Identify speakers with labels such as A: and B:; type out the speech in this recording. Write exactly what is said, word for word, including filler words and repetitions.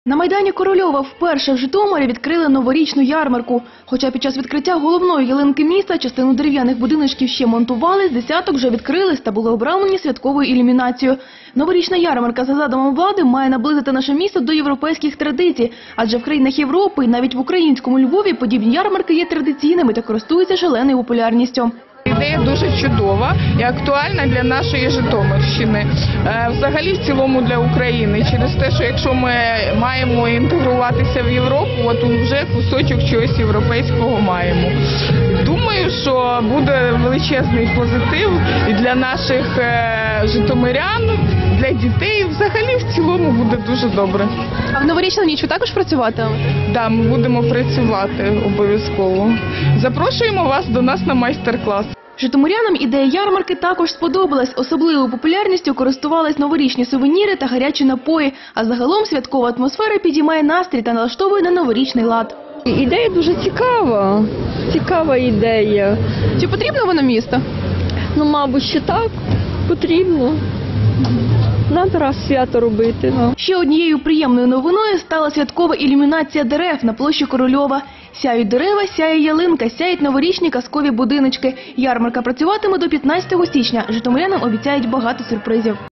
A: На Майдані Корольова вперше в Житомирі відкрили новорічну ярмарку. Хоча під час відкриття головної ялинки міста частину дерев'яних будиночків ще монтували, з десяток вже відкрились та були обрамлені святковою ілюмінацією. Новорічна ярмарка, за задумом влади, має наблизити наше місто до європейських традицій. Адже в країнах Європи і навіть в українському Львові подібні ярмарки є традиційними та користуються шаленою популярністю.
B: Ідея дуже чудова і актуальна для нашої Житомирщини, взагалі в цілому для України. Через те, що якщо ми маємо інтегруватися в Європу, от вже кусочок чогось європейського маємо. Думаю, що буде величезний позитив і для наших житомирян, для дітей. Взагалі в цілому буде дуже добре.
A: А в новорічну ніч ви також працюватимете?
B: Так, да, ми будемо працювати обов'язково. Запрошуємо вас до нас на майстер-клас.
A: Житомирянам ідея ярмарки також сподобалась. Особливою популярністю користувались новорічні сувеніри та гарячі напої. А загалом святкова атмосфера підіймає настрій та налаштовує на новорічний лад.
C: Ідея дуже цікава, цікава ідея.
A: Чи потрібно воно місто?
C: Ну, мабуть, ще так, потрібно. Надо раз свято робити. Ну.
A: Ще однією приємною новиною стала святкова ілюмінація дерев на площі Корольова. Сяють дерева, сяє ялинка, сяють новорічні казкові будиночки. Ярмарка працюватиме до п'ятнадцятого січня. Житомирянам обіцяють багато сюрпризів.